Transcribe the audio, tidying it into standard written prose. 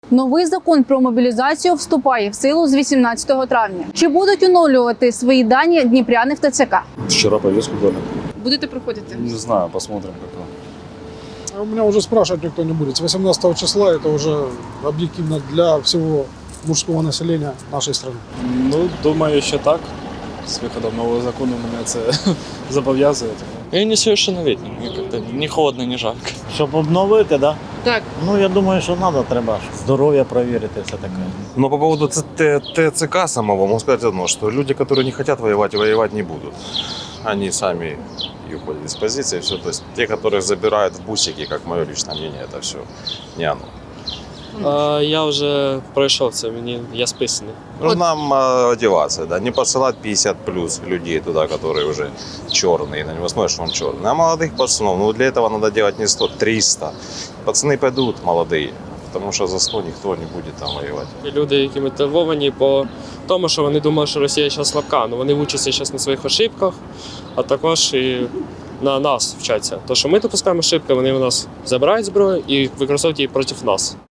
Новий закон про мобілізацію вступає в силу з 18 травня. Чи будуть оновлювати свої дані дніпряни в ТЦК? Вчера повестку дали. Будете проходити? Не знаю, посмотрим как. А у меня уже спрашивать никто не будет. С 18 числа это уже объективно для всего мужского населения нашей страны. Ну, думаю, що так. З виходом нового закону мене це зобов'язує. Я не совершеннолетний, мне как-то не холодно, не жарко. Щоб обновити, да? Так. Ну, я думаю, що треба здоров'я перевірити, все таке. Но по поводу ТЦК самого, могу сказать одно, что люди, которые не хотят воевать, воевать не будут. Они сами и уходят из позиции, все. То есть те, которых забирают в бусики, как мое личное мнение, это все не оно. Я вже пройшов це, я списаний. Нужно нам одеваться, да, не посылать 50 плюс людей туда, которые уже черные, на него смотришь, что он черный. А молодых пацанов, ну для этого надо делать не 100, 300. Пацаны пойдут молодые, потому что за 100 никто не будет там воевать. Люди, які мотивовані по тому, що вони думали, що Росія зараз слабка, але вони вчаться зараз на своїх ошибках, а також і на нас вчаться. То, що ми допускаємо ошибки, вони у нас забирають зброю і використовують її проти нас.